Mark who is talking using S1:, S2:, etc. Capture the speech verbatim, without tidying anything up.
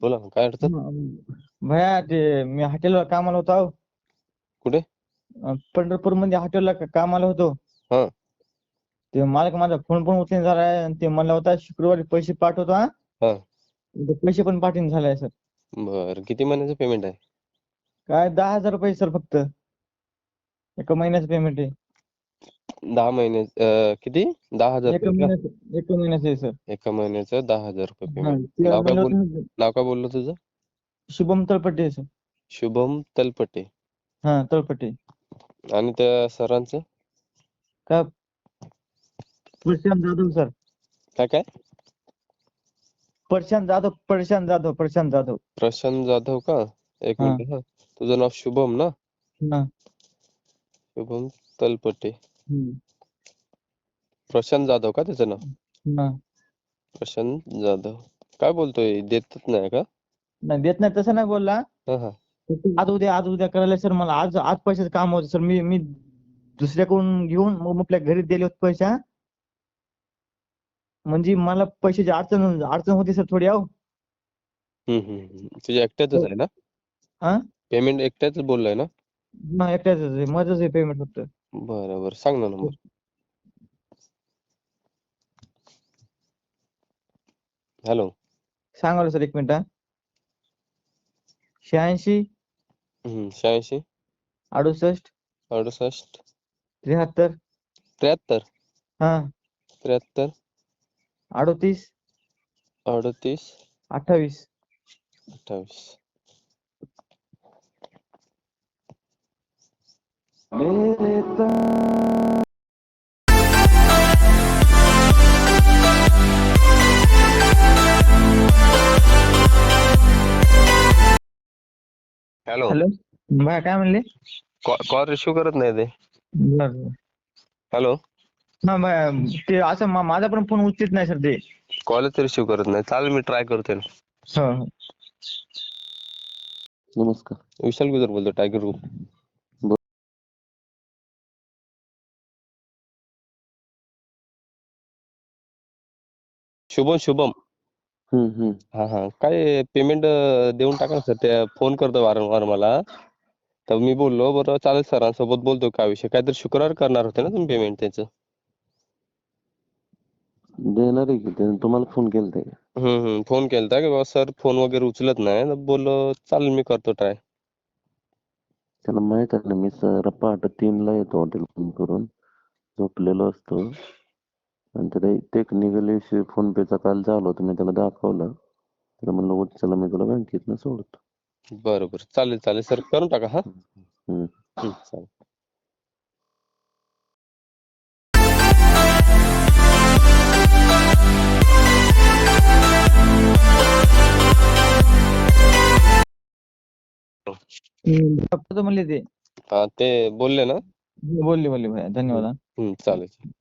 S1: बोला ना, काय अडचण?
S2: हं, भैया ते मी हॉटेलवर कामाला होतो अहो.
S1: कुठे?
S2: अ, पंढरपूरमध्ये हॉटेलला कामाला होतो.
S1: हा.
S2: ते मालक माझा फोन पण उचलेना झालाय आणि ते म्हणला होता शुक्रवारी पैसे पाठवतो हा.
S1: हा.
S2: ते पैसे पण पाठवून झालाय सर.
S1: बरं, किती महिन्याचं पेमेंट आहे?
S2: काय दहा हजार रुपये सर फक्त. एका महिन्याचं पेमेंट आहे.
S1: दहा महिने अं, किती? दहा हजार
S2: एका
S1: रुपये का?
S2: महिन्याचं एका महिन्याचं आहे सर.
S1: एका महिन्याचं दहा हजार रुपये
S2: हा,
S1: पेमेंट.
S2: ते
S1: नाव काय
S2: म्हणलं
S1: बोल
S2: होतं ना,
S1: नाव काय बोललं तुझं?
S2: शुभम तळपटे आहे सर.
S1: शुभम तलपटे.
S2: हा तळपटे.
S1: आणि त्या सरांचं?
S2: काय प्रशांत जाधव सर.
S1: काय काय?
S2: प्रशांत जाधव प्रशांत जाधव प्रशांत जाधव.
S1: प्रशांत जाधव का? एक
S2: हा.
S1: मिनिट हा. तुझं नाव शुभम ना?
S2: हा.
S1: शुभम तलपटे.
S2: हम्म.
S1: प्रशांत जाधव का त्याचं नाव?
S2: हा.
S1: प्रशांत जाधव. काय बोलतोय? देतच नाही का?
S2: नाही देत नाही तसं नाही बोलला.
S1: हा हा.
S2: आज उद्या आज उद्या करायला सर मला आज आज पैशाचं काम होतं सर. मी मी दुसऱ्याकडून घेऊन मग आपल्या घरी दिले होते पैसे. म्हणजे मला पैशाची अडचण अडचण होती सर थोडी अहो.
S1: हम्म हम्म. तुझ्या एकट्याचंच आहे ना?
S2: हा.
S1: पेमेंट एकट्याच बोललाय ना?
S2: नाही एकट्याच आहे माझंच आहे पेमेंट फक्त.
S1: बरं बरं, सांग ना नंबर. हॅलो.
S2: सांगा सर एक मिनिट. शहाऐंशी
S1: हम्म शहाऐंशी
S2: अडुसष्ट
S1: अडुसष्ट
S2: त्र्याहत्तर
S1: त्र्याहत्तर
S2: हा
S1: त्र्याहत्तर
S2: अडोतीस
S1: अडतीस
S2: अठ्ठावीस.
S1: अठ्ठावीस. हॅलो.
S2: हॅलो बाय काय म्हणले?
S1: कॉल रिसिव्ह करत नाही ते.
S2: बरं.
S1: हॅलो.
S2: हा बाय ते असं मा- माझा पण फोन उचलत नाही सर ते.
S1: कॉलच रिसिव्ह करत नाही. चालेल, मी ट्राय करते ना.
S2: हो हो.
S3: नमस्कार.
S1: विशाल गुजर बोलतो, टायगर ग्रुप. शुभम शुभम.
S3: हम्म हम्म.
S1: हा हा. काय पेमेंट देऊन टाका ना सर. ते फोन करतो वारंवार मला. तर मी बोललो बरं चालेल, सरांसोबत बोलतो काय विषय. काहीतरी शुक्रवार करणार होते ना तुम्ही पेमेंट त्याचं?
S3: देणार आहे की त्याने तुम्हाला फोन केलता का?
S1: हम्म हम्म. फोन केलता की बाबा सर फोन वगैरे उचलत नाही. तर बोललो चालेल मी करतो ट्राय.
S3: त्याला माहित आहे ना, मी सर पहाटे तीनला येतो हॉटेल फोन करून, झोपलेलो असतो. आणि त्याला टेक्निकल इश्यू फोन पेचा काल झाला होता, मी त्याला दाखवलं. त्याला म्हणलं उठ चला मी तुला बँकेतनं सोडतो.
S1: बरं बरं, चालेल चालेल सर, करून टाका. हा
S3: हम्म.
S1: हम्म, चालेल.
S2: म्हणले ते
S1: हा ते बोलले ना?
S2: बोलले बोलले भैया धन्यवाद.
S1: हम्म, चालेल.